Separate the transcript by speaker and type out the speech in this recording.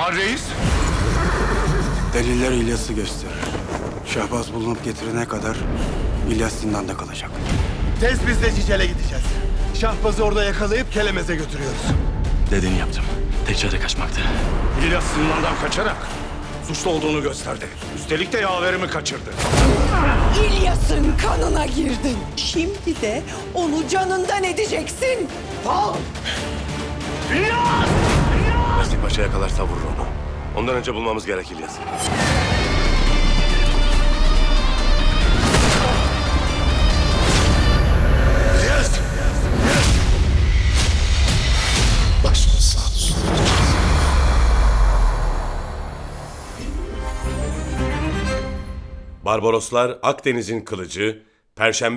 Speaker 1: Kemal Reis?
Speaker 2: Deliller İlyas'ı gösterir. Şahbaz bulunup getirene kadar İlyas zindanda kalacak.
Speaker 3: Tez biz de Cicel'e gideceğiz. Şahbaz'ı orada yakalayıp Kelemez'e götürüyoruz.
Speaker 4: Dediğini yaptım. Tek çare kaçmaktı.
Speaker 1: İlyas zindandan kaçarak suçlu olduğunu gösterdi. Üstelik de yaverimi kaçırdı.
Speaker 5: İlyas'ın kanına girdin. Şimdi de onu canından edeceksin. Al!
Speaker 6: Nasip Paşa yakalarsa vurur onu. Ondan önce bulmamız gerek İlyas'ı. Barbaroslar Akdeniz'in Kılıcı, Perşembe